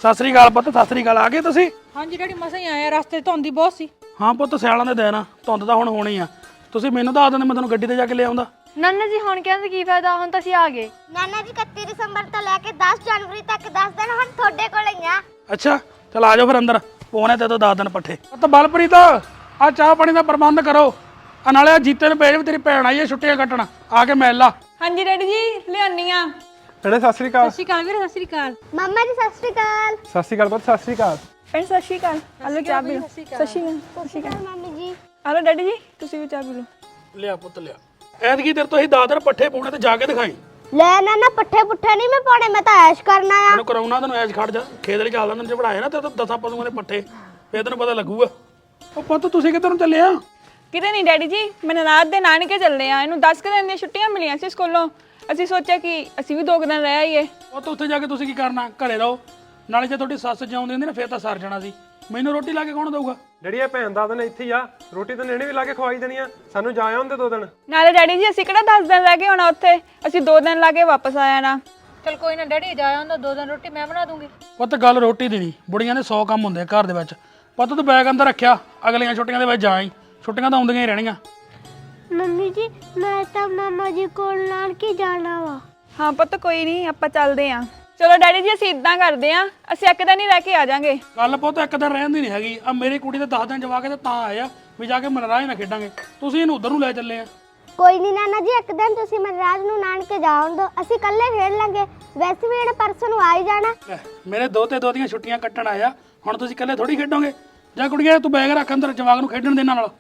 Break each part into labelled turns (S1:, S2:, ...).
S1: ਸਤਿ ਸ੍ਰੀ ਅਕਾਲ ਪੁੱਤ, ਸਤਿ ਸ੍ਰੀ ਅਕਾਲ। ਆ ਗਏ ਤੁਸੀਂ?
S2: ਹਾਂਜੀ ਡੈਡੀ ਮਸਾਂ ਹੀ ਆਇਆ, ਰਸਤੇ 'ਚ ਧੁੰਦ ਬਹੁਤ ਸੀ।
S1: ਹਾਂ ਪੁੱਤ, ਸਿਆਲਾਂ ਦੇ ਦਿਨ ਆ, ਧੁੰਦ ਤਾਂ ਹੁਣ ਹੋਣੀ ਆ। ਤੁਸੀਂ ਮੈਨੂੰ ਦੱਸ ਦਿੰਦੇ, ਮੈਂ ਤੁਹਾਨੂੰ ਗੱਡੀ ਤੇ ਜਾ ਕੇ ਲੈ ਆਉਂਦਾ।
S3: ਨਾਨਾ ਜੀ ਹੁਣ ਕਹਿੰਦੇ ਕੀ ਫਾਇਦਾ, ਹੁਣ ਤਾਂ ਅਸੀਂ ਆ ਗਏ।
S4: ਨਾਨਾ ਜੀ 31 ਦਸੰਬਰ ਤੋਂ ਲੈ ਕੇ 10 ਜਨਵਰੀ ਤੱਕ 10 ਦਿਨ ਹੁਣ ਤੁਹਾਡੇ ਕੋਲ ਹੀ ਆ।
S1: ਅੱਛਾ ਚਲ ਆ ਜਾਓ ਫਿਰ ਅੰਦਰ, ਪੋਣੇ ਤੇ ਤੋਂ 10 ਦਿਨ ਪੱਠੇ। ਪੁੱਤ ਬਲਪ੍ਰੀਤ, ਆ ਚਾਹ ਪਾਣੀ ਦਾ ਪ੍ਰਬੰਧ ਕਰੋ। ਆ ਨਾਲੇ ਆ ਜੀਤੇ ਨੂੰ ਭੇਜ, ਤੇਰੀ ਭੈਣ ਆਈ ਹੈ ਛੁੱਟੀਆਂ ਕੱਟਣ, ਆ ਕੇ ਮਿਲ ਲਾ।
S3: ਹਾਂਜੀ ਡੈਡੀ ਜੀ ਲਿਆਨੀ ਆ।
S5: ਭੈਣੇ ਸਤਿ ਸ੍ਰੀ ਅਕਾਲ।
S2: ਸਤਿ ਸ਼੍ਰੀ ਅਕਾਲ ਵੀਰੇ, ਸਤਿ ਸ਼੍ਰੀ ਅਕਾਲ।
S4: ਮੰਮਾ ਜੀ ਸਤਿ ਸ਼੍ਰੀ ਅਕਾਲ।
S5: ਸਤਿ ਸ੍ਰੀ ਅਕਾਲ ਪੁੱਤ, ਸਤਿ ਸ੍ਰੀ ਅਕਾਲ।
S3: ਭੈਣ ਸਤਿ ਸ਼੍ਰੀ ਅਕਾਲ। ਹਲੋ ਚਾਹ ਪੀ ਲਓ। ਸਤਿ ਸ਼੍ਰੀ ਅਕਾਲ
S4: mummy ji.
S3: Hello daddy ji ਤੁਸੀਂ ਵੀ ਚਾਹ ਪੀ ਲਓ।
S1: ਲਿਆ ਪੁੱਤ ਲਿਆ। ਐਤਕੀ ਤੇਰੇ ਤੋਂ ਅਸੀਂ 10 ਦਿਨ ਪੱਠੇ ਪਾਉਣੇ ਤੇ ਜਾ ਕੇ ਦਿਖਾਈ।
S4: ਲੈ ਨਾਨਾ ਪੱਠੇ ਪੁੱਠੇ ਨਹੀਂ ਮੈਂ ਪਾਉਣੇ, ਮੈਂ ਤਾਂ ਐਸ਼ ਕਰਨਾ ਆ।
S1: ਮੈਨੂੰ ਕਰਾਉਣਾ ਤੈਨੂੰ ਐਸ਼ ਖੜ ਜਾ, ਖੇਤ ਲਈ ਚੱਲਦਾ ਤੈਨੂੰ ਪੜਾਏ ਨਾ ਤੇ 10 ਪਸ਼ੂਆਂ ਦੇ ਪੱਠੇ, ਫੇਰ ਤੈਨੂੰ ਪਤਾ ਲੱਗੂਗਾ। ਉਹ ਪੁੱਤ ਤੁਸੀਂ ਕਿੱਧਰ ਨੂੰ ਚੱਲੇ ਆ?
S3: ਕਿਤੇ ਨਹੀਂ ਡੈਡੀ ਜੀ, ਮੈਂ ਨਨਾਦ ਦੇ ਨਾਨਕੇ ਚੱਲਦੇ ਆ। ਇਹਨੂੰ 10 ਦਿਨ ਦੀਆਂ ਛੁੱਟੀਆਂ ਮਿਲੀਆਂ ਸੀ ਸਕੂਲੋਂ। ਅਸੀਂ ਸੋਚਿਆ ਕਿ ਅਸੀਂ ਵੀ 2 ਦਿਨ ਰਹਿ ਆਈਏ।
S1: ਉਹ ਤਾਂ ਉੱਥੇ ਜਾ ਕੇ ਤੁਸੀਂ ਕੀ ਕਰਨਾ, ਘਰੇ ਰਹੋ। ਨਾਲੇ ਜੇ ਤੁਹਾਡੀ ਸੱਸ ਜਿਉਂਦੀ ਹੁੰਦੀ ਨਾ ਫੇਰ ਤਾਂ ਸਰ ਜਾਣਾ ਸੀ। ਮੈਨੂੰ ਰੋਟੀ ਲਾ ਕੇ ਕੌਣ ਦਊਗਾ?
S5: ਡੈਡੀ ਇਹ ਭੈਣ ਦਾ ਦਿਨ ਇੱਥੇ ਹੀ ਆ, ਰੋਟੀ ਤਾਂ ਨੇੜੇ ਵੀ ਲਾ ਕੇ ਖਵਾਈ ਦੇਣੀ ਆ। ਸਾਨੂੰ ਜਾ ਆਉਂਦੇ 2 ਦਿਨ।
S3: ਨਾਲੇ ਡੈਡੀ ਜੀ ਅਸੀਂ ਕਿਹੜਾ 10 ਦਿਨ ਰਹਿ ਕੇ ਹੋਣਾ ਉੱਥੇ, ਅਸੀਂ 2 ਦਿਨ ਲਾ ਕੇ ਵਾਪਸ ਆ ਜਾਣਾ।
S2: ਚਲ ਕੋਈ ਨਾ ਡੈਡੀ, ਜਾ ਆਉਂਦਾ, 2 ਦਿਨ ਰੋਟੀ ਮੈਂ ਬਣਾ ਦੂੰਗੀ।
S1: ਪੁੱਤ ਗੱਲ ਰੋਟੀ ਦੀ ਨਹੀਂ, ਬੁੜੀਆਂ ਦੇ 100 ਕੰਮ ਹੁੰਦੇ ਆ ਘਰ ਦੇ ਵਿੱਚ। ਪੁੱਤ ਤੂੰ ਬੈਗ ਅੰਦਰ ਰੱਖਿਆ, ਅਗਲੀਆਂ ਛੁੱਟੀਆਂ ਦੇ ਵਿੱਚ ਜਾ ਆਈ। ਛੁੱਟੀਆਂ ਤਾਂ ਆਉਂਦੀਆਂ ਹੀ ਰਹਿਣੀਆਂ।
S4: ਮੰਮੀ ਜੀ ਮੈਂ ਤਾਂ ਮਾਮਾ ਜੀ ਕੋਲ ਨਾਨਕੇ ਜਾਣਾ ਵਾ।
S3: ਹਾਂ ਪੁੱਤ ਕੋਈ ਨਹੀਂ, ਆਪਾਂ ਚੱਲਦੇ ਆ। ਚਲੋ ਡੈਡੀ ਜੀ ਅਸੀਂ ਇਦਾਂ ਕਰਦੇ ਆ, ਅਸੀਂ ਇੱਕ ਦਿਨ ਹੀ ਰਹਿ ਕੇ ਆ ਜਾਾਂਗੇ।
S1: ਗੱਲ ਪੁੱਤ ਇੱਕ ਦਿਨ ਰਹਿਣ ਦੀ ਨਹੀਂ ਹੈਗੀ। ਆ ਮੇਰੀ ਕੁੜੀ ਤੇ 10 ਦਿਨ ਜਵਾ ਕੇ ਤੇ ਤਾਂ ਆਇਆ ਵੀ ਜਾ ਕੇ ਮਨਰਾਜ ਨਾਲ ਖੇਡਾਂਗੇ। ਤੁਸੀਂ ਇਹਨੂੰ ਉਧਰ ਨੂੰ ਲੈ ਚੱਲੇ ਆ।
S4: ਕੋਈ ਨਹੀਂ ਨਾਨਾ ਜੀ, ਇੱਕ ਦਿਨ ਤੁਸੀਂ ਮਨਰਾਜ ਨੂੰ ਨਾਨਕੇ ਜਾਉਣ ਦਿਓ, ਅਸੀਂ ਇਕੱਲੇ ਖੇਡ ਲਾਂਗੇ। ਵੈਸੇ ਵੀ ਇਹਨੇ ਪਰਸੋਂ ਨੂੰ ਆ ਹੀ ਜਾਣਾ।
S1: ਲੈ, ਮੇਰੇ ਦੋਤੇ ਦੋਤੀਆਂ ਛੁੱਟੀਆਂ ਕੱਟਣ ਆਇਆ, ਹੁਣ ਤੁਸੀਂ ਇਕੱਲੇ ਥੋੜੀ ਖੇਡੋਗੇ। ਜਾ ਕੁੜੀਏ ਤੂੰ ਬੈਗ ਰੱਖ ਅੰਦਰ, ਜਵਾਕ ਨੂੰ ਖੇਡਣ ਦੇ ਇਹਨਾਂ ਨਾਲ।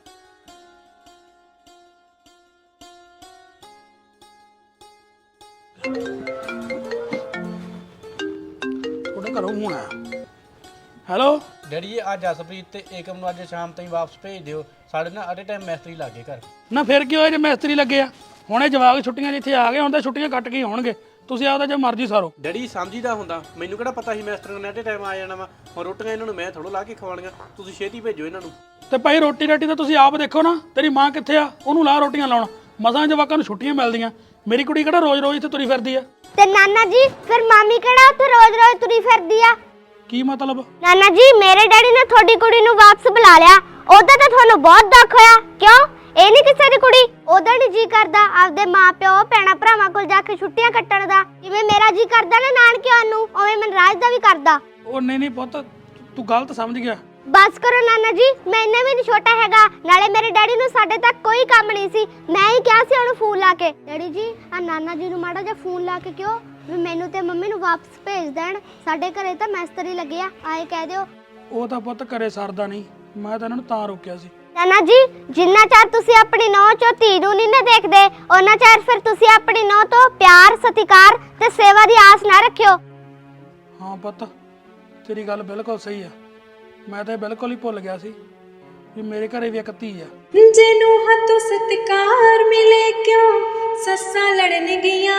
S1: ਉਹਦੇ ਘਰੋਂ ਹੁਣ ਆਇਆ। ਹੈਲੋ
S6: ਡੈਡੀ ਜੀ ਅੱਜ ਜਸਪ੍ਰੀਤ ਤੇ ਏਕਮ ਨੂੰ ਅੱਜ ਸ਼ਾਮ ਤਾਈਂ ਵਾਪਸ ਭੇਜ ਦਿਓ। ਸਾਡੇ ਨਾਲ ਅਟੇ ਟਾਈਮ ਮਿਸਤਰੀ ਲੱਗੇ ਘਰ।
S1: ਨਾ ਫਿਰ ਕੀ ਹੋਇਆ ਜੇ ਮਿਸਤਰੀ ਲੱਗੇ ਆ? ਹੁਣੇ ਜਵਾਕ ਛੁੱਟੀਆਂ ਜਿੱਥੇ ਆ ਗਏ, ਹੁਣ ਤਾਂ ਛੁੱਟੀਆਂ ਕੱਟ ਕੇ ਹੀ ਹੋਣਗੇ। ਤੁਸੀਂ ਆਪਦਾ ਜੇ ਮਰਜ਼ੀ ਸਾਰੋ।
S6: ਡੈਡੀ ਸਮਝੀਦਾ ਹੁੰਦਾ, ਮੈਨੂੰ ਕਿਹੜਾ ਪਤਾ ਸੀ ਮਿਸਤਰੀ ਨੇ ਅਟੇ ਟਾਈਮ ਆ ਜਾਣਾ ਵਾ। ਹੁਣ ਰੋਟੀਆਂ ਇਹਨਾਂ ਨੂੰ ਮੈਂ ਥੋੜ੍ਹਾ ਲਾ ਕੇ ਖਵਾਉਣੀਆਂ, ਤੁਸੀਂ ਛੇਤੀ ਭੇਜੋ ਇਹਨਾਂ ਨੂੰ।
S1: ਤੇ ਭਾਈ ਰੋਟੀ ਰਾਟੀ ਤਾਂ ਤੁਸੀਂ ਆਪ ਦੇਖੋ ਨਾ, ਤੇਰੀ ਮਾਂ ਕਿੱਥੇ ਆ? ਉਹਨੂੰ ਲਾ ਰੋਟੀਆਂ ਲਾਉਣ। ਮਸਾਂ ਜਵਾਕਾਂ ਨੂੰ ਛੁੱਟੀਆਂ ਮਿਲਦੀਆਂ। ਮੇਰੀ ਕੁੜੀ ਕਿਹੜਾ ਰੋਜ਼-ਰੋਜ਼ ਇੱਥੇ ਤੁਰੀ ਫਿਰਦੀ ਆ?
S4: ਤੇ ਨਾਨਾ ਜੀ ਫਿਰ ਮਾਮੀ ਕਿਹੜਾ ਉੱਥੇ ਰੋਜ਼-ਰੋਜ਼ ਤੁਰੀ ਫਿਰਦੀ ਆ?
S1: ਕੀ ਮਤਲਬ?
S4: ਨਾਨਾ ਜੀ ਮੇਰੇ ਡੈਡੀ ਨੇ ਤੁਹਾਡੀ ਕੁੜੀ ਨੂੰ ਵਾਪਸ ਬੁਲਾ ਲਿਆ। ਉਹਦਾ ਤਾਂ ਤੁਹਾਨੂੰ ਬਹੁਤ ਦੁੱਖ ਹੋਇਆ। ਕਿਉਂ? ਇਹ ਨਹੀਂ ਕਿਸੇ ਦੀ ਕੁੜੀ? ਉਹਦਾ ਨਹੀਂ ਜੀ ਕਰਦਾ ਆਪਦੇ ਮਾਪਿਓ ਭੈਣਾਂ ਭਰਾਵਾਂ ਕੋਲ ਜਾ ਕੇ ਛੁੱਟੀਆਂ ਕੱਟਣ ਦਾ? ਜਿਵੇਂ ਮੇਰਾ ਜੀ ਕਰਦਾ ਨਾ ਨਾਨਕੇ ਆਉਣ ਨੂੰ, ਉਵੇਂ ਮਨਰਾਜ ਦਾ ਵੀ ਕਰਦਾ।
S1: ਉਹ ਨਹੀਂ ਪੁੱਤ, ਤੂੰ ਗਲਤ ਸਮਝ ਗਿਆ।
S4: ਬਸ ਕਰੋ ਨਾਨਾ ਜੀ, ਮੈਂ ਇੰਨਾ ਵੀ ਨਹੀਂ ਛੋਟਾ ਹੈਗਾ। ਨਾਲੇ ਮੇਰੇ ਡੈਡੀ ਨੂੰ ਸਾਡੇ ਤੱਕ ਕੋਈ ਕੰਮ ਨਹੀਂ ਸੀ, ਮੈਂ ਹੀ ਕਿਹਾ ਸੀ ਉਹਨੂੰ ਫੋਨ ਲਾ ਕੇ। ਡੈਡੀ ਜੀ ਆ ਨਾਨਾ ਜੀ ਨੂੰ ਮਾੜਾ ਜਿਹਾ ਫੋਨ ਲਾ ਕੇ ਕਿਉਂ ਵੀ ਮੈਨੂੰ ਤੇ ਮੰਮੀ ਨੂੰ ਵਾਪਸ ਭੇਜ ਦੇਣ। ਸਾਡੇ ਘਰੇ ਤਾਂ ਮਿਸਤਰੀ ਲੱਗੇ ਆ, ਆਏ ਕਹਿ ਦਿਓ।
S1: ਉਹ ਤਾਂ ਪੁੱਤ ਘਰੇ ਸਰਦਾ ਨਹੀਂ, ਮੈਂ ਤਾਂ ਇਹਨਾਂ ਨੂੰ ਤਾਂ ਰੋਕਿਆ ਸੀ।
S4: ਨਾਨਾ ਜੀ ਜਿੰਨਾ ਚਿਰ ਤੁਸੀਂ ਆਪਣੀ ਨੌਂ ਚੋਂ ਧੀ ਨੂੰ ਨਹੀਂ ਨਾ ਦੇਖਦੇ, ਉਹਨਾਂ ਚਿਰ ਫਿਰ ਤੁਸੀਂ ਆਪਣੀ ਨੌਂ ਤੋਂ ਪਿਆਰ, ਸਤਿਕਾਰ ਤੇ ਸੇਵਾ ਦੀ ਆਸ ਨਾ ਰੱਖਿਓ।
S1: ਹਾਂ ਪੁੱਤ, ਤੇਰੀ ਗੱਲ ਬਿਲਕੁਲ ਸਹੀ ਆ। ਮੈਂ ਤਾਂ ਬਿਲਕੁਲ ਹੀ ਭੁੱਲ ਗਿਆ ਸੀ ਵੀ ਮੇਰੇ ਘਰੇ ਵੀ ਇੱਕ ਧੀ ਆ।
S7: ਜਿਹਨੂੰ ਹੱਥੋਂ ਸਤਿਕਾਰ ਮਿਲੇ ਕਿਉਂ ਸੱਸਾਂ ਲੜਨ ਗਈਆਂ,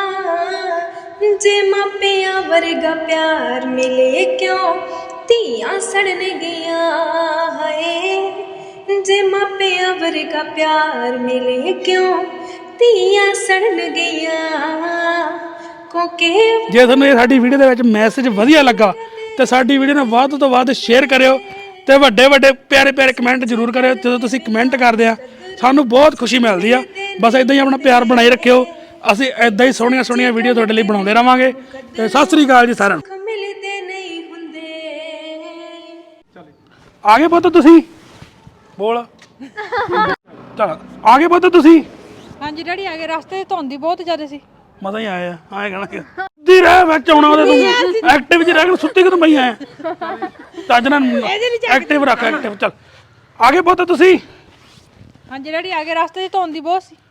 S7: ਜੇ ਮਾਪਿਆਂ ਵਰਗਾ ਪਿਆਰ ਮਿਲੇ ਕਿਉਂ ਧੀਆਂ ਸੜਨ ਗਈਆਂ। ਹਾਏ ਜੇ ਮਾਪਿਆਂ ਵਰਗਾ ਪਿਆਰ ਮਿਲੇ ਕਿਉਂ ਧੀਆਂ ਸੜਨ ਗਈਆਂ। ਕੋਕੇ
S1: ਜੇ ਤੁਹਾਨੂੰ ਇਹ ਸਾਡੀ ਵੀਡੀਓ ਦੇ ਵਿੱਚ ਮੈਸੇਜ ਵਧੀਆ ਲੱਗਾ ਤੇ ਸਾਡੀ ਵੀਡੀਓ ਨੂੰ ਵੱਧ ਤੋਂ ਵੱਧ ਸ਼ੇਅਰ ਕਰਿਓ ਤੇ ਵੱਡੇ ਪਿਆਰੇ ਕਮੈਂਟ ਜ਼ਰੂਰ ਕਰਿਓ। ਜਦੋਂ ਤੁਸੀਂ ਕਮੈਂਟ ਕਰਦੇ ਆ ਸਾਨੂੰ ਬਹੁਤ ਖੁਸ਼ੀ ਮਿਲਦੀ ਆ। ਬਸ ਇਦਾਂ ਹੀ ਆਪਣਾ ਪਿਆਰ ਬਣਾਈ ਰੱਖਿਓ। ਅਸੀਂ ਇਦਾਂ ਹੀ ਸੋਹਣੀਆਂ ਵੀਡੀਓ ਤੁਹਾਡੇ ਲਈ ਬਣਾਉਂਦੇ ਰਵਾਂਗੇ। ਤੇ ਸਤਿ ਸ੍ਰੀ ਅਕਾਲ ਜੀ ਸਾਰਿਆਂ ਨੂੰ।
S7: ਮਿਲਦੇ ਨਹੀਂ ਹੁੰਦੇ।
S1: ਆ ਗਏ ਪੁੱਤ ਤੁਸੀਂ? ਬੋਲ। ਚਲ ਆ ਗਏ ਪੁੱਤ ਤੁਸੀਂ?
S2: ਹਾਂਜੀ ਡੈਡੀ ਆ ਗਏ, ਰਸਤੇ 'ਚ ਧੁੰਦ ਬਹੁਤ ਜ਼ਿਆਦਾ ਸੀ।
S1: ਮਜ਼ਾ ਹੀ ਆਇਆ। ਆਏ ਕਹਿਣਾ ਦੀ ਰਹਿ ਵਿੱਚ ਆਉਣਾ ਉਹਦੇ ਤੂੰ ਐਕਟਿਵ ਚ ਰਹਿ ਕੇ ਸੁੱਤੀ ਕਿਦੋਂ ਪਈ ਆਇਆ? ਚੱਜ ਨਾਲ ਐਕਟਿਵ ਰੱਖ, ਐਕਟਿਵ। ਚੱਲ ਆ ਗਏ ਪੁੱਤ ਤੁਸੀਂ?
S2: ਹਾਂਜੀ ਡੈਡੀ ਆ ਗਏ, ਰਸਤੇ 'ਚ ਧੁੰਦ ਬਹੁਤ ਸੀ।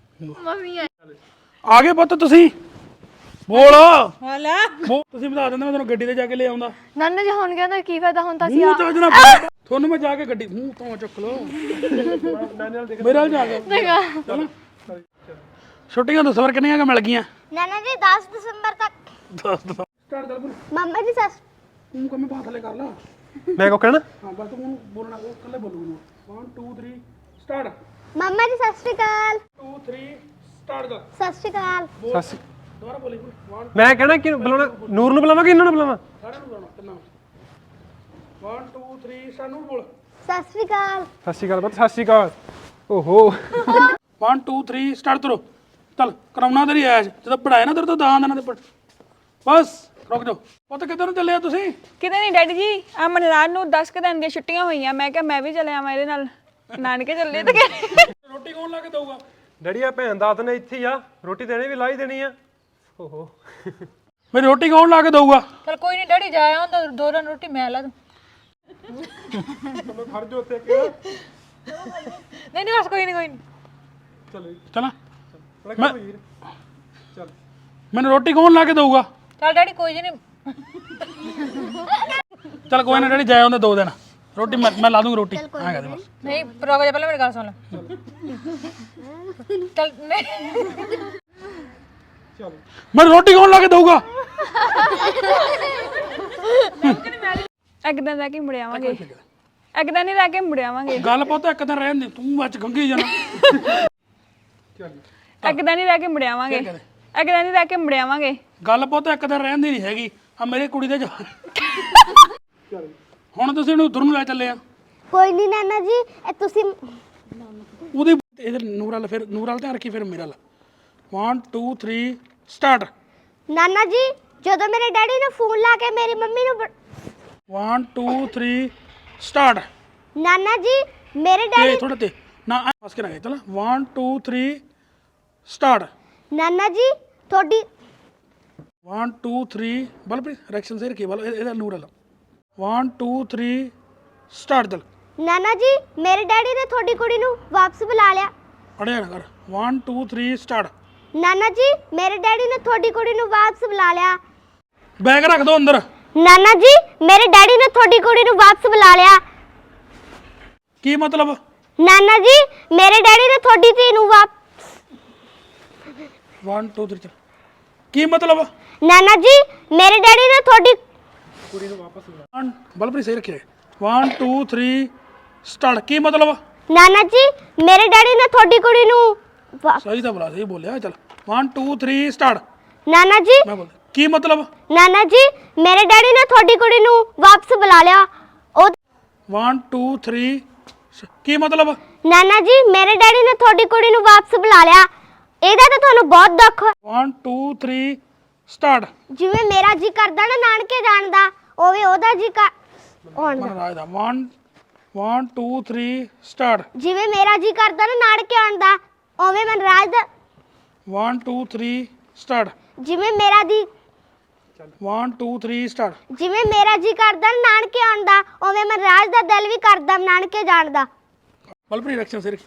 S1: ਆ ਗਏ ਪੁੱਤ ਤੁਸੀਂ? ਬੋਲ।
S2: ਹਾਲਾ
S1: ਤੁਸੀਂ ਬਤਾ ਦਿੰਦੇ, ਮੈਂ ਤੁਹਾਨੂੰ ਗੱਡੀ ਤੇ ਜਾ ਕੇ ਲੈ ਆਉਂਦਾ।
S3: ਨਾਨਾ ਜੀ ਹੁਣ ਕਹਿੰਦੇ ਕੀ ਫਾਇਦਾ, ਹੁਣ ਤਾਂ ਅਸੀਂ
S1: ਮੂੰਹ ਚੱਜ ਨਾਲ ਤੁਹਾਨੂੰ ਮੈਂ ਜਾ ਕੇ ਗੱਡੀ ਮੂੰਹ ਤੋਂ ਚੁੱਕ ਲਓ। ਮੇਰੇ ਨਾਲ ਜਾ ਕੇ ਛੁੱਟੀਆਂ ਦੱਸੋ ਫਿਰ ਕਿੰਨੀਆਂ ਮਿਲ ਗਈਆਂ?
S4: ਨਾਨਾ ਜੀ 10 ਦਸੰਬਰ ਤੱਕ।
S1: ਸਟਾਰਟ ਕਰ ਬੋਲ।
S4: ਮੰਮਾ ਜੀ ਸੱਸ
S1: ਤੂੰ ਕੰਮੇ ਬਾਤ ਥਲੇ ਕਰ ਲਾ।
S5: ਮੈਂ ਕੋ ਕਹਿਣਾ?
S1: ਹਾਂ ਬਸ ਤੂੰ ਬੋਲਣਾ, ਉਹ ਇਕੱਲੇ ਬੋਲੂਗਾ। 1 2 3 ਸਟਾਰਟ।
S4: ਮੰਮਾ ਜੀ ਸਤਿ ਸ਼੍ਰੀ ਅਕਾਲ।
S1: 2 3 ਸਟਾਰਟ ਕਰ।
S4: ਸਤਿ ਸ਼੍ਰੀ ਅਕਾਲ।
S1: ਦੁਬਾਰਾ ਬੋਲੀ। 1
S5: ਮੈਂ ਕਹਿਣਾ ਕਿ ਬੁਲਾਉਣਾ ਨੂਰ ਨੂੰ ਬੁਲਾਵਾਂ ਕਿ ਇਹਨਾਂ ਨੂੰ ਬੁਲਾਵਾਂ?
S1: ਸਾਰਿਆਂ ਨੂੰ ਬੁਲਾਉਣਾ ਤੇ 1 2 3 ਸਾਨੂੰ ਬੋਲ।
S4: ਸਤਿ ਸ਼੍ਰੀ ਅਕਾਲ।
S5: ਸਤਿ ਸ਼੍ਰੀ ਅਕਾਲ ਪੁੱਤ, ਸਤਿ ਸ਼੍ਰੀ ਅਕਾਲ। ਓਹੋ
S1: 1 2 3 ਸਟਾਰਟ ਕਰੋ। ਚੱਲ ਕਰਾਉਣਾ ਤੇਰੀ ਐਸ਼ ਜਦੋਂ ਪੜਾਇਆ ਨਾ ਤੇਰੇ ਤੋਂ ਦਾਨ ਦੇਣਾ ਤੇ ਪੜ ਬਸ ਰੁਕ ਜਾਓ। ਪੁੱਤ ਕਿੱਧਰ ਨੂੰ ਚੱਲੇ ਆ ਤੁਸੀਂ?
S3: ਕਿਤੇ ਨਹੀਂ ਡੈਡੀ ਜੀ, ਆ ਮਨਰਾਜ ਨੂੰ 10 ਕੁ ਦਿਨ ਦੀਆਂ ਛੁੱਟੀਆਂ ਹੋਈਆਂ, ਮੈਂ ਕਿਹਾ ਮੈਂ ਵੀ ਚਲੇ ਆਵਾਂ ਇਹਦੇ ਨਾਲ, ਨਾਨਕੇ ਚੱਲੇ ਤੇ ਕਹਿੰਦੇ
S1: ਰੋਟੀ ਕੌਣ ਲਾ ਕੇ ਦਊਗਾ?
S5: ਡੈਡੀ ਆ ਭੈਣ ਦਾਤ ਨੇ ਇੱਥੇ ਹੀ ਆ, ਰੋਟੀ ਦੇਣੀ ਵੀ ਲਾ ਹੀ ਦੇਣੀ ਆ। ਓਹੋ
S1: ਮੇਰੀ ਰੋਟੀ ਕੌਣ ਲਾ ਕੇ ਦਊਗਾ?
S2: ਚਲ ਕੋਈ ਨਹੀਂ ਡੈਡੀ ਜਾ ਆਉਂਦਾ, ਦੋ ਦਿਨ ਰੋਟੀ ਮੈਂ ਲਾ ਦੂੰ।
S5: ਖੜ ਜੋ ਉੱਤੇ
S2: ਨਹੀਂ ਨਹੀਂ ਬਸ ਕੋਈ ਨਹੀਂ
S1: ਚਲਾਂ
S5: ਮੈਂ ਚੱਲ
S1: ਮੈਨੂੰ ਰੋਟੀ ਕੌਣ ਲਾ ਕੇ ਦਊਗਾ?
S2: ਚਲ ਡੈਡੀ ਕੋਈ ਨਹੀਂ।
S1: ਚੱਲ ਕੋਈ ਨਾ ਡੈਡੀ ਜਾਏ ਉਹਦੇ 2 ਦਿਨ ਰੋਟੀ ਮੈਂ ਲਾ ਦੂੰਗਾ ਰੋਟੀ ਐਂ ਕਹਦੇ ਬਸ।
S2: ਨਹੀਂ ਰੁਕ ਜਾ ਪਹਿਲਾਂ ਮੇਰੀ ਗੱਲ ਸੁਣ ਲੈ। ਚਲ ਨਹੀਂ
S1: ਮੈਨੂੰ ਰੋਟੀ ਕੌਣ ਲਾ ਕੇ ਦਊਗਾ?
S3: ਇੱਕ ਦਿਨ ਰਹਿ ਕੇ ਮੁੜ ਆਵਾਂਗੇ, ਇੱਕ ਦਿਨ ਹੀ ਰਹਿ ਕੇ ਮੁੜ ਆਵਾਂਗੇ,
S1: ਗੱਲ ਪੁੱਤ ਇੱਕ ਦਿਨ ਰਹਿਣ ਦੇ, ਤੂੰ ਅੱਜ ਗੰਗੀ ਜਾਣਾ।
S3: ਇੱਕ ਦਿਨ ਹੀ ਰਹਿ ਕੇ ਮੁੜ ਆਵਾਂਗੇ, ਇੱਕ ਦਿਨ ਹੀ ਰਹਿ ਕੇ ਮੁੜ ਆਵਾਂਗੇ।
S1: ਗੱਲ ਪੁੱਤ ਇੱਕ ਦਿਨ ਰਹਿਣ ਦੀ ਨਹੀਂ ਹੈਗੀ। ਆ ਮੇਰੀ ਕੁੜੀ ਦੇ ਹੁਣ ਤੁਸੀਂ ਉਹਨੂੰ ਉਧਰ ਨੂੰ ਲੈ ਚੱਲੇ ਆ।
S4: ਕੋਈ ਨਹੀਂ ਨਾਨਾ ਜੀ, ਇਹ ਤੁਸੀਂ
S1: ਉਹਦੀ ਇਧਰ ਨੂਰ ਵਾਲ, ਫਿਰ ਨੂਰ ਵਾਲ ਧਿਆਨ ਰੱਖੀ, ਫਿਰ ਮੇਰਾ 1 2 3 ਸਟਾਰਟ।
S4: ਨਾਨਾ ਜੀ ਜਦੋਂ ਮੇਰੇ ਡੈਡੀ ਨੇ ਫੋਨ ਲਾ ਕੇ ਮੇਰੀ ਮੰਮੀ ਨੂੰ
S1: 1 2 3 ਸਟਾਰਟ।
S4: ਨਾਨਾ ਜੀ ਮੇਰੇ
S1: ਤੇ
S4: ਡੈਡੀ
S1: ਥੋੜਾ ਤੇ ਨਾ ਫਸ ਕੇ ਨਾ ਗਏ। ਚਲ 1 2 3 ਸਟਾਰਟ।
S4: ਨਾਨਾ ਜੀ ਤੁਹਾਡੀ
S1: 1 2 3 ਬਲਪ੍ਰੀਤ ਰਿਐਕਸ਼ਨ ਸੇ ਰੱਖੀ ਬਲ ਇਹਦਾ ਨੂਰ ਵਾਲਾ 1 2 3 ਸਟਾਰਟ। ਚਲ
S4: ਨਾਨਾ ਜੀ ਮੇਰੇ ਡੈਡੀ ਨੇ ਤੁਹਾਡੀ ਕੁੜੀ ਨੂੰ ਵਾਪਸ ਬੁਲਾ ਲਿਆ।
S1: ਅੜਿਆ ਨਾ ਕਰ। 1 2 3 ਸਟਾਰਟ।
S4: ਨਾਨਾ ਜੀ ਮੇਰੇ ਡੈਡੀ ਨੇ ਤੁਹਾਡੀ ਕੁੜੀ ਨੂੰ ਵਾਪਸ ਬੁਲਾ ਲਿਆ।
S1: ਬੈਗ ਰੱਖ ਦੋ ਅੰਦਰ।
S4: ਨਾਨਾ ਜੀ ਮੇਰੇ ਡੈਡੀ ਨੇ ਤੁਹਾਡੀ ਕੁੜੀ ਨੂੰ ਵਾਪਸ ਬੁਲਾ ਲਿਆ।
S1: ਕੀ ਮਤਲਬ?
S4: ਨਾਨਾ ਜੀ ਮੇਰੇ ਡੈਡੀ ਨੇ ਤੁਹਾਡੀ ਧੀ ਨੂੰ
S1: 1 2 3 ਚਲ ਕੀ ਮਤਲਬ?
S4: ਨਾਨਾ ਜੀ ਮੇਰੇ ਡੈਡੀ ਨੇ ਤੁਹਾਡੀ
S1: ਬਲਪ੍ਰੀਤ ਸਹੀ ਰੱਖਿਆ 1 2 3 ਸਟਾਰਟ। ਕੀ ਮਤਲਬ?
S4: ਨਾਨਾ ਜੀ ਮੇਰੇ ਡੈਡੀ ਨੇ ਤੁਹਾਡੀ ਕੁੜੀ ਨੂੰ
S1: ਸਹੀ ਤਾਂ ਬੋਲਾ, ਸਹੀ ਬੋਲਿਆ। ਚਲ 1 2 3 ਸਟਾਰਟ।
S4: ਨਾਨਾ ਜੀ
S1: ਮੈਂ ਬੋਲ ਕੀ ਮਤਲਬ?
S4: ਨਾਨਾ ਜੀ ਮੇਰੇ ਡੈਡੀ ਨੇ ਤੁਹਾਡੀ ਕੁੜੀ ਨੂੰ ਵਾਪਸ ਬੁਲਾ ਲਿਆ। ਉਹ
S1: 1 2 3 ਕੀ ਮਤਲਬ?
S4: ਨਾਨਾ ਜੀ ਮੇਰੇ ਡੈਡੀ ਨੇ ਤੁਹਾਡੀ ਕੁੜੀ ਨੂੰ ਵਾਪਸ ਬੁਲਾ ਲਿਆ। ਇਹਦਾ ਤਾਂ ਤੁਹਾਨੂੰ ਬਹੁਤ ਦੁੱਖ ਹੈ।
S1: 1 2 3 ਸਟਾਰਟ।
S4: ਜਿਵੇਂ ਮੇਰਾ ਜੀ ਕਰਦਾ ਨਾ ਨਾਨਕੇ ਜਾਣ ਦਾ, ਉਵੇਂ ਉਹਦਾ ਜੀ ਆਉਣ ਦਾ।
S1: ਮਨਰਾਜ ਦਾ 1 2 3 ਸਟਾਰਟ।
S4: ਜਿਵੇਂ ਮੇਰਾ ਜੀ ਕਰਦਾ ਨਾ ਨਾਨਕੇ ਆਉਣ ਦਾ, ਉਵੇਂ ਮਨਰਾਜ ਦਾ
S1: 1 2 3 ਸਟਾਰਟ।
S4: ਜਿਵੇਂ ਮੇਰਾ ਦੀ
S1: 1 2 3 ਸਟਾਰਟ।
S4: ਜਿਵੇਂ ਮੇਰਾ ਜੀ ਕਰਦਾ ਨਾ ਨਾਨਕੇ ਆਉਣ ਦਾ, ਉਵੇਂ ਮਨਰਾਜ ਦਾ ਦਿਲ ਵੀ ਕਰਦਾ ਨਾਨਕੇ ਜਾਣ ਦਾ।
S1: ਬਲਪ੍ਰੀਤ ਰਿਐਕਸ਼ਨ ਸਿਰ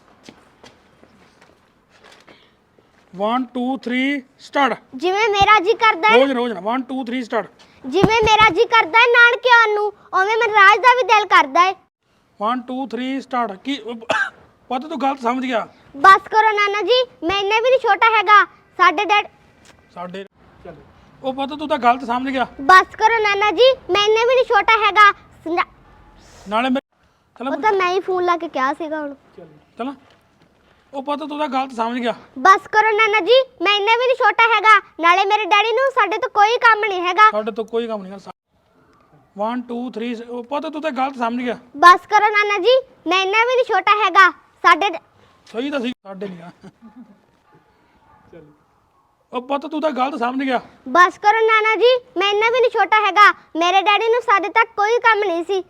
S1: 1 2 3 ਸਟਾਰਟ।
S4: ਜਿਵੇਂ ਮੇਰਾ ਜੀ ਕਰਦਾ
S1: ਰੋਜ਼ ਰੋਜ਼ ਨਾ 1 2 3 ਸਟਾਰਟ।
S4: ਜਿਵੇਂ ਮੇਰਾ ਜੀ ਕਰਦਾ ਹੈ ਨਾਨਕੇ ਆਉਣ ਨੂੰ, ਉਵੇਂ ਮਨਰਾਜ ਦਾ ਵੀ ਦਿਲ ਕਰਦਾ ਹੈ।
S1: 1 2 3 ਸਟਾਰਟ। ਕੀ ਪਤਾ ਤੂੰ ਗਲਤ ਸਮਝ ਗਿਆ।
S4: ਬਸ ਕਰੋ ਨਾਨਾ ਜੀ, ਮੈਂ ਇੰਨਾ ਵੀ ਨਹੀਂ ਛੋਟਾ ਹੈਗਾ। ਸਾਡੇ ਡੈਡ
S1: ਸਾਡੇ ਉਹ ਪਤਾ ਤੂੰ ਤਾਂ ਗਲਤ ਸਮਝ ਗਿਆ।
S4: ਬਸ ਕਰੋ ਨਾਨਾ ਜੀ, ਮੈਂ ਇੰਨਾ ਵੀ ਨਹੀਂ ਛੋਟਾ ਹੈਗਾ।
S1: ਨਾਲੇ ਚਲ
S4: ਉਹ ਤਾਂ ਮੈਂ ਹੀ ਫੋਨ ਲਾ ਕੇ ਕਿਹਾ ਸੀਗਾ ਹੁਣ।
S1: ਚਲ ਉਹ ਪਤਾ ਤੂੰ ਤਾਂ ਗਲਤ ਸਮਝ ਗਿਆ।
S4: ਬਸ ਕਰੋ ਨਾਨਾ ਜੀ, ਮੈਂ ਇੰਨਾ ਵੀ ਨਹੀਂ ਛੋਟਾ ਹੈਗਾ। ਨਾਲੇ ਮੇਰੇ ਡੈਡੀ ਨੂੰ ਸਾਡੇ ਤੋਂ ਕੋਈ ਕੰਮ ਨਹੀਂ ਹੈਗਾ।
S1: ਸਾਡੇ ਤੋਂ ਕੋਈ ਕੰਮ ਨਹੀਂ ਕਰ 1 2 3 ਉਹ ਪਤਾ ਤੂੰ ਤਾਂ ਗਲਤ ਸਮਝ ਗਿਆ।
S4: ਬਸ ਕਰੋ ਨਾਨਾ ਜੀ, ਮੈਂ ਇੰਨਾ ਵੀ ਨਹੀਂ ਛੋਟਾ ਹੈਗਾ। ਸਾਡੇ
S1: ਸਹੀ ਤਾਂ ਸੀ, ਸਾਡੇ ਨਹੀਂ ਆ। ਉਹ ਪਤਾ ਤੂੰ ਤਾਂ ਗਲਤ ਸਮਝ ਗਿਆ।
S4: ਬਸ ਕਰੋ ਨਾਨਾ ਜੀ, ਮੈਂ ਇੰਨਾ ਵੀ ਨਹੀਂ ਛੋਟਾ ਹੈਗਾ। ਮੇਰੇ ਡੈਡੀ ਨੂੰ ਸਾਡੇ ਤੱਕ ਕੋਈ ਕੰਮ ਨਹੀਂ ਸੀ।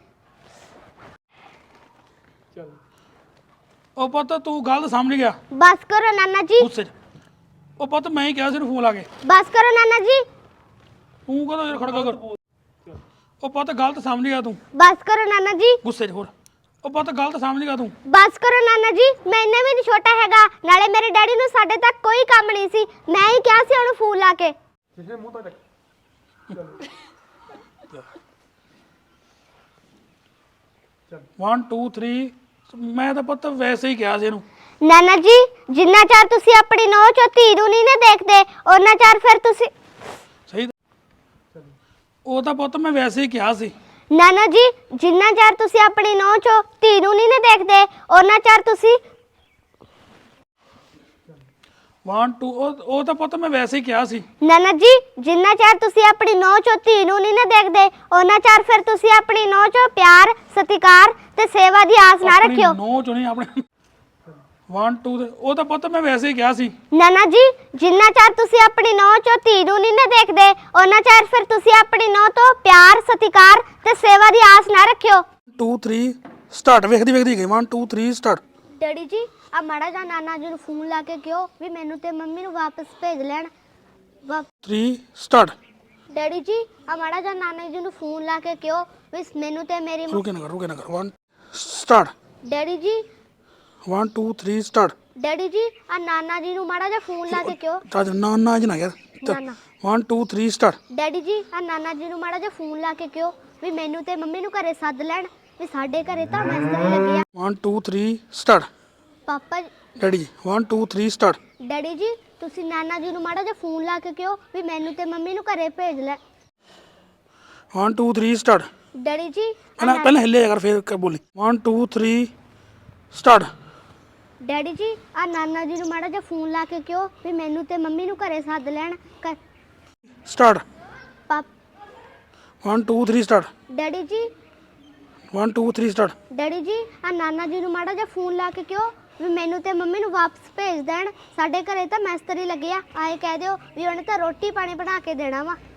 S1: ਉਹ ਪਤਾ ਤੂੰ ਗਲਤ ਸਮਝ ਗਿਆ
S4: ਬਸ ਕਰੋ ਨਾਨਾ ਜੀ।
S1: ਗੁੱਸੇ 'ਚ। ਉਹ ਪਤਾ ਮੈਂ ਹੀ ਕਿਹਾ ਸੀ ਫੋਨ ਲਾ ਕੇ।
S4: ਬਸ ਕਰੋ ਨਾਨਾ ਜੀ।
S1: ਤੂੰ ਕਹਦਾ ਯਾਰ ਖੜਕਾ ਕਰ। ਉਹ ਪਤਾ ਗਲਤ ਸਮਝ ਗਿਆ ਤੂੰ
S4: ਬਸ ਕਰੋ ਨਾਨਾ ਜੀ।
S1: ਗੁੱਸੇ 'ਚ। ਹੋਰ ਉਹ ਪਤਾ ਗਲਤ ਸਮਝ ਗਿਆ ਤੂੰ।
S4: ਬਸ ਕਰੋ ਨਾਨਾ ਜੀ, ਮੈਂ ਇੰਨਾ ਵੀ ਨਹੀਂ ਛੋਟਾ ਹੈਗਾ। ਨਾਲੇ ਮੇਰੇ ਡੈਡੀ ਨੂੰ ਸਾਡੇ ਤੱਕ ਕੋਈ ਕੰਮ ਨਹੀਂ ਸੀ। ਮੈਂ ਹੀ ਕਿਹਾ ਸੀ ਉਹਨੂੰ ਫੋਨ ਲਾ ਕੇ।
S5: ਪਿਛਲੇ ਮੂੰਹ ਤਾਂ ਚੱਕ
S1: 1 2 3 ਮੈਂ ਤਾਂ ਪਤਾ ਵੈਸੇ ਹੀ ਕਿਹਾ ਸੀ ਇਹਨੂੰ।
S4: ਨਾਨਾ ਜੀ ਜਿੰਨਾ ਚਿਰ ਤੁਸੀਂ ਆਪਣੀ ਨੌਂ ਚੋਂ ਧੀ ਨੂੰ ਨਹੀਂ ਨਾ ਦੇਖਦੇ, ਉਹਨਾਂ ਚਿਰ ਫਿਰ ਤੁਸੀਂ
S1: ਸਹੀ ਉਹ ਤਾਂ ਪੁੱਤ ਮੈਂ ਵੈਸੇ ਹੀ ਕਿਹਾ ਸੀ।
S4: ਨਾਨਾ ਜੀ ਜਿੰਨਾ ਚਿਰ ਤੁਸੀਂ ਆਪਣੀ ਨੌਂ ਚੋਂ ਧੀ ਨੂੰ ਨਹੀਂ ਨਾ ਦੇਖਦੇ, ਉਹਨਾਂ ਚਿਰ ਤੁਸੀਂ
S1: 1 2 ਉਹ ਤਾਂ ਪੁੱਤ ਮੈਂ ਵੈਸੇ ਹੀ ਕਿਹਾ ਸੀ।
S4: ਨਾਨਾ ਜੀ ਜਿੰਨਾ ਚਿਰ ਤੁਸੀਂ ਆਪਣੀ ਨੌ ਚੋਂ ਧੀ ਨੂੰ ਨਹੀਂ ਨਾ ਦੇਖਦੇ ਉਹਨਾਂ ਚਿਰ ਫਿਰ ਤੁਸੀਂ ਆਪਣੀ ਨੌ ਚੋਂ ਪਿਆਰ ਸਤਿਕਾਰ ਤੇ ਸੇਵਾ ਦੀ ਆਸ ਨਾ ਰੱਖਿਓ।
S1: ਨੋ ਚੋਂ ਨਹੀਂ ਆਪਣੇ 1 2 ਉਹ ਤਾਂ ਪੁੱਤ ਮੈਂ ਵੈਸੇ ਹੀ ਕਿਹਾ ਸੀ।
S4: ਨਾਨਾ ਜੀ ਜਿੰਨਾ ਚਿਰ ਤੁਸੀਂ ਆਪਣੀ ਨੌ ਚੋਂ ਧੀ ਨੂੰ ਨਹੀਂ ਨਾ ਦੇਖਦੇ ਉਹਨਾਂ ਚਿਰ ਫਿਰ ਤੁਸੀਂ ਆਪਣੀ ਨੌ ਤੋਂ ਪਿਆਰ ਸਤਿਕਾਰ ਤੇ ਸੇਵਾ ਦੀ ਆਸ ਨਾ ਰੱਖਿਓ।
S1: 2 3 ਸਟਾਰਟ ਵੇਖਦੀ ਵੇਖਦੀ ਗਈ 1 2 3 ਸਟਾਰਟ।
S4: ਡੈਡੀ ਜੀ ਆ ਮਾੜਾ ਜਿਹਾ ਨਾਨਾ ਜੀ ਨੂੰ ਫੋਨ ਲਾ ਕੇ ਕਿਹੋ ਵੀ ਮੈਨੂੰ ਤੇ ਮੰਮੀ ਨੂੰ ਵਾਪਸ ਭੇਜ ਲੈਣ।
S1: 3 ਸਟਾਰਟ।
S4: ਡੈਡੀ ਜੀ ਆ ਮਾੜਾ ਜਿਹਾ ਨਾਨਾ ਜੀ ਨੂੰ ਫੋਨ ਲਾ ਕੇ ਕਿਹੋ ਵੀ ਮੈਨੂੰ ਤੇ ਮੇਰੀ
S1: ਰੁਕੇ ਨਾ ਕਰ 1 ਸਟਾਰਟ।
S4: ਡੈਡੀ ਜੀ
S1: 1 2 3 ਸਟਾਰਟ।
S4: ਡੈਡੀ ਜੀ ਆ ਨਾਨਾ ਜੀ ਨੂੰ ਮਾੜਾ ਜਿਹਾ ਫੋਨ ਲਾ ਕੇ ਕਿਹੋ।
S1: ਤਾਂ ਨਾ ਨਾ ਜਨਾ ਯਾਰ
S4: ਨਾਨਾ।
S1: 1 2 3 ਸਟਾਰਟ।
S4: ਡੈਡੀ ਜੀ ਆ ਨਾਨਾ ਜੀ ਨੂੰ ਮਾੜਾ ਜਿਹਾ ਫੋਨ ਲਾ ਕੇ ਕਿਹੋ ਵੀ ਮੈਨੂੰ ਤੇ ਮੰਮੀ ਨੂੰ ਘਰੇ ਸੱਦ ਲੈਣ ਵੀ ਸਾਡੇ ਘਰੇ ਤਾਂ ਮੈਸਤਰੀ ਲੱਗੀ ਆ।
S1: 1 2 3 ਸਟਾਰਟ।
S4: ਪਾਪਾ
S1: ਡੈਡੀ ਜੀ 1 2 3 ਸਟਾਰਟ।
S4: ਡੈਡੀ ਜੀ ਤੁਸੀਂ ਨਾਨਾ ਜੀ ਨੂੰ ਮਾੜਾ ਜਿਹਾ ਫੋਨ ਲਾ ਕੇ ਕਿਹੋ ਵੀ ਮੈਨੂੰ ਤੇ ਮੰਮੀ ਨੂੰ ਘਰੇ ਭੇਜ ਲੈ।
S1: 1 2 3 ਸਟਾਰਟ।
S4: ਡੈਡੀ ਜੀ
S1: ਪਹਿਲਾਂ ਹਿੱਲੇ ਕਰ ਫਿਰ ਬੋਲੀ 1 2 3 ਸਟਾਰਟ।
S4: ਡੈਡੀ ਜੀ ਆ ਨਾਨਾ ਜੀ ਨੂੰ ਮਾੜਾ ਜਿਹਾ ਫੋਨ ਲਾ ਕੇ ਕਿਹੋ ਵੀ ਮੈਨੂੰ ਤੇ ਮੰਮੀ ਨੂੰ ਘਰੇ ਸੱਦ ਲੈਣ।
S1: ਸਟਾਰਟ।
S4: ਪਾਪ
S1: 1 2 3 ਸਟਾਰਟ।
S4: ਡੈਡੀ ਜੀ
S1: 1 2 3 ਸਟਾਰਟ।
S4: ਡੈਡੀ ਜੀ ਆ ਨਾਨਾ ਜੀ ਨੂੰ ਮਾੜਾ ਜਿਹਾ ਫੋਨ ਲਾ ਕੇ ਕਿਹੋ ਵੀ ਮੈਨੂੰ ਤੇ ਮੰਮੀ ਨੂੰ ਵਾਪਸ ਭੇਜ ਦੇਣ ਸਾਡੇ ਘਰੇ ਤਾਂ ਮੈਸਤਰੀ ਲੱਗੇ ਆ ਆਏ ਕਹਿ ਦਿਓ ਵੀ ਉਹਨੇ ਤਾਂ ਰੋਟੀ ਪਾਣੀ ਬਣਾ ਕੇ ਦੇਣਾ ਵਾ।